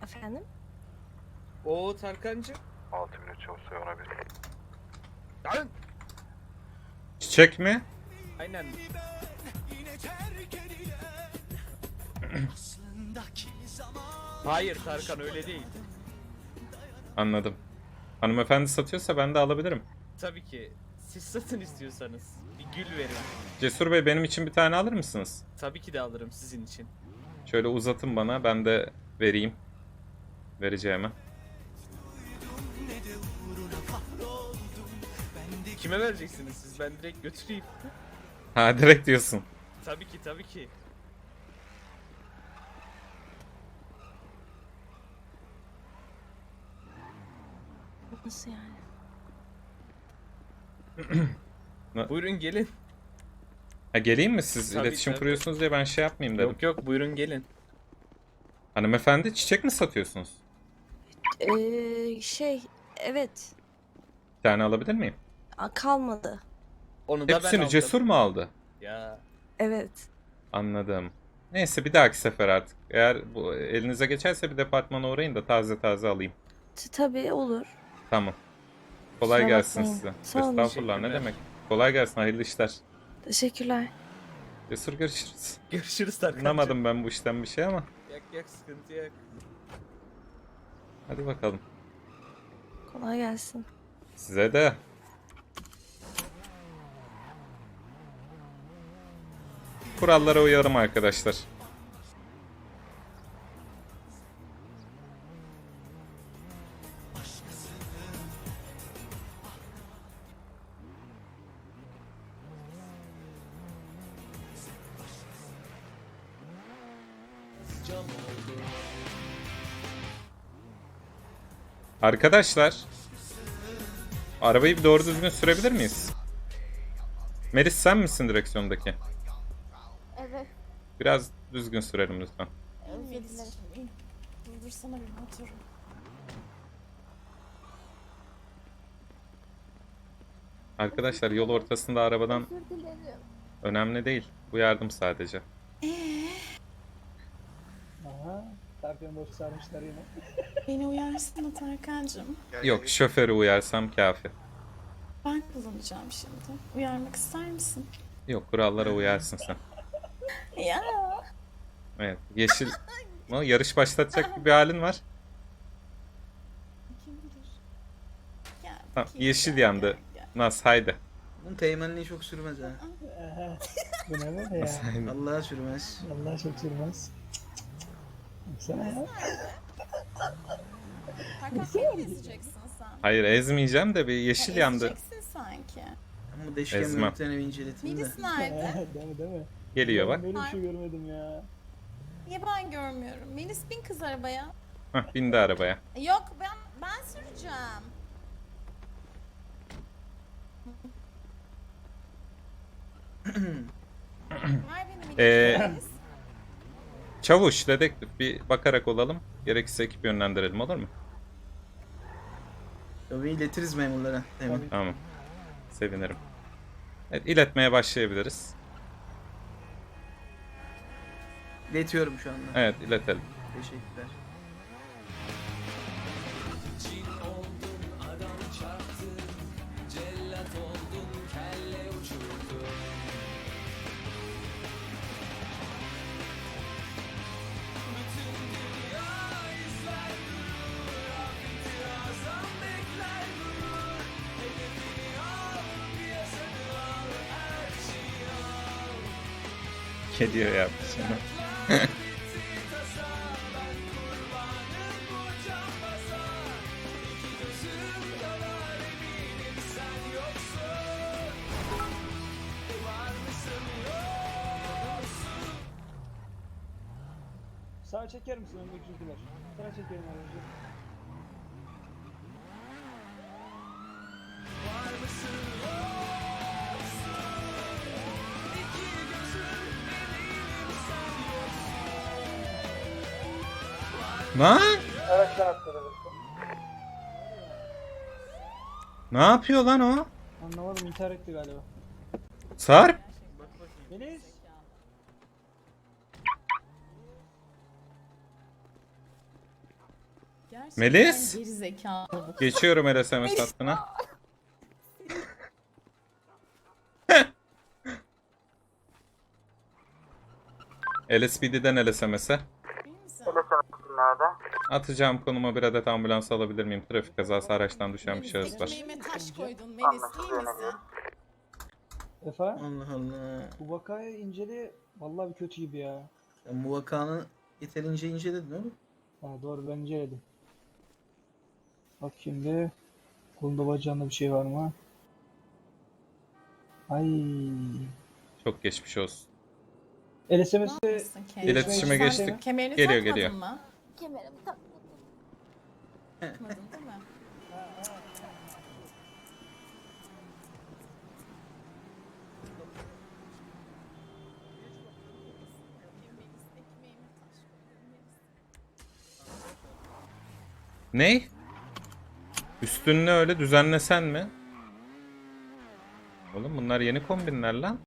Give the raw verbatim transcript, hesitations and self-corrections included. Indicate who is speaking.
Speaker 1: Efendim?
Speaker 2: Oo Tarkancı.
Speaker 3: altı bin üç yüz ona bir.
Speaker 2: Lan!
Speaker 4: Çiçek mi?
Speaker 2: Aynen. Hayır Tarkan öyle değil.
Speaker 4: Anladım. Hanımefendi satıyorsa ben de alabilirim.
Speaker 2: Tabii ki. Siz satın istiyorsanız. Bir gül verin.
Speaker 4: Cesur Bey benim için bir tane alır mısınız?
Speaker 2: Tabii ki de alırım sizin için.
Speaker 4: Şöyle uzatın bana, ben de vereyim. Vereceğime.
Speaker 2: Kime vereceksiniz siz? Ben direkt götüreyim.
Speaker 4: Ha direkt diyorsun.
Speaker 2: Tabii ki tabii ki.
Speaker 1: Nasıl yani?
Speaker 2: Buyurun gelin.
Speaker 4: Ha geleyim mi siz?
Speaker 2: Tabii,
Speaker 4: iletişim
Speaker 2: tabii.
Speaker 4: kuruyorsunuz diye ben şey yapmayayım dedim.
Speaker 2: Yok yok buyurun gelin.
Speaker 4: Hanımefendi çiçek mi satıyorsunuz?
Speaker 1: Ee, şey, evet.
Speaker 4: Bir tane alabilir miyim?
Speaker 1: A, kalmadı.
Speaker 2: Onu da ben
Speaker 4: Hepsini
Speaker 2: aldım.
Speaker 4: Cesur mu aldı?
Speaker 2: Ya.
Speaker 1: Evet.
Speaker 4: Anladım. Neyse bir dahaki sefer artık. Eğer bu elinize geçerse bir departmana uğrayın da taze taze alayım.
Speaker 1: T- Tabii olur.
Speaker 4: Tamam. Kolay
Speaker 1: Kusura
Speaker 4: gelsin
Speaker 1: bakmayın.
Speaker 4: size.
Speaker 1: Sağ olun.
Speaker 4: Estağfurullah ne
Speaker 2: Teşekkürler.
Speaker 4: demek. Kolay gelsin, hayırlı işler.
Speaker 1: Teşekkürler.
Speaker 4: Cesur görüşürüz.
Speaker 2: Görüşürüz Tarkancı.
Speaker 4: Anlamadım ben bu işten bir şey ama.
Speaker 2: Yak yak sıkıntı yok.
Speaker 4: Hadi bakalım.
Speaker 1: Kolay gelsin.
Speaker 4: Size de. Kurallara uyarım arkadaşlar. Arkadaşlar, arabayı bir doğru düzgün sürebilir miyiz? Melis sen misin direksiyondaki?
Speaker 5: Evet.
Speaker 4: Biraz düzgün sürelim lütfen.
Speaker 5: Özür dilerim. Durdursana bir motoru.
Speaker 4: Arkadaşlar yol ortasında arabadan
Speaker 5: Özür dilerim.
Speaker 4: önemli değil. Bu yardım sadece.
Speaker 6: Aha, Tarkan'ı boş sarmışlar yine.
Speaker 5: Beni uyarsın da Tarkan'cığım.
Speaker 4: Yok, şoförü uyarsam kafi.
Speaker 5: Ben kullanacağım şimdi. Uyarmak ister misin?
Speaker 4: Yok, kurallara uyarsın sen.
Speaker 5: Ya.
Speaker 4: Evet, yeşil... Ama yarış başlatacak bir halin var.
Speaker 5: Kim bilir? Gel
Speaker 4: Tamam,
Speaker 5: bakayım,
Speaker 4: yeşil
Speaker 5: gel,
Speaker 4: yandı.
Speaker 5: gel, gel.
Speaker 4: Nas haydi.
Speaker 7: Bunun teğmenliği çok sürmez ha.
Speaker 6: Aha, bu ne be ya?
Speaker 7: Vallahi sürmez.
Speaker 6: Vallahi çok sürmez. Baksana ya.
Speaker 5: Tarkan beni ezeceksin sen.
Speaker 4: Hayır ezmeyeceğim de bir yeşil
Speaker 5: Ha,
Speaker 4: yandı.
Speaker 5: Ezeceksin sanki.
Speaker 7: Ama deşken
Speaker 4: Ezmem.
Speaker 7: görüntülerini bir inceleteyim de.
Speaker 5: Melis nerede?
Speaker 6: değil mi değil mi?
Speaker 4: Geliyor
Speaker 6: Ben
Speaker 4: bak.
Speaker 6: böyle bir şey görmedim ya.
Speaker 5: Niye ben görmüyorum? Melis bin kız arabaya.
Speaker 4: Hah, bindi arabaya.
Speaker 5: Yok ben ben süreceğim. Ver beni Melis.
Speaker 4: Ee,
Speaker 5: Melis.
Speaker 4: Çavuş, dedektif bir bakarak olalım. Gerekirse ekip yönlendirelim, olur mu?
Speaker 7: Tabii iletiriz memurlara. Hemen.
Speaker 6: Tabii.
Speaker 4: Tamam. Sevinirim. Evet, iletmeye başlayabiliriz.
Speaker 7: İletiyorum şu anda.
Speaker 4: Evet, iletelim.
Speaker 7: Teşekkürler.
Speaker 4: Kediye yaptı şimdi.
Speaker 6: Sağa çeker misin öndeki çocuklar? Sağa çekelim aracı.
Speaker 4: Lan?
Speaker 6: Araçtan atladı.
Speaker 4: Ne yapıyor lan o?
Speaker 6: Anlamadım, intihar etti galiba.
Speaker 4: Sarp?
Speaker 6: Melis!
Speaker 5: Gerçekten
Speaker 4: Melis?
Speaker 5: geri zekalı bu.
Speaker 4: Geçiyorum L S M S hattına. L S P D'den L S M S'e.
Speaker 5: İyi misin?
Speaker 4: Atacağım konuma bir adet ambulans alabilir miyim? Trafik kazası araçtan düşen bir şahıs var.
Speaker 5: Ekmeğime taş koydun Melis, iyi misin?
Speaker 6: Efe,
Speaker 7: Allah Allah.
Speaker 6: bu vakayı incele. Vallahi bir kötü gibi ya.
Speaker 7: Sen bu vakanı yeterince inceledin oğlum.
Speaker 6: Ha, doğru, ben inceledim. Bak şimdi. Kolunda bacağında bir şey var mı? Ay.
Speaker 4: Çok geçmiş olsun.
Speaker 6: L S M
Speaker 5: Ne
Speaker 6: S'te
Speaker 5: yapmışsın kendine?
Speaker 4: İletişime
Speaker 5: Sen
Speaker 4: geçtik.
Speaker 5: Kemerini
Speaker 4: Geliyor,
Speaker 5: takmadın
Speaker 4: geliyor.
Speaker 5: mı?
Speaker 1: Kemerimi takmadım.
Speaker 5: Takmadın değil mi? Melis, ekmeğime taş koydun Melis.
Speaker 4: Ney? Üstünü öyle düzenlesen mi? Oğlum bunlar yeni kombinler lan.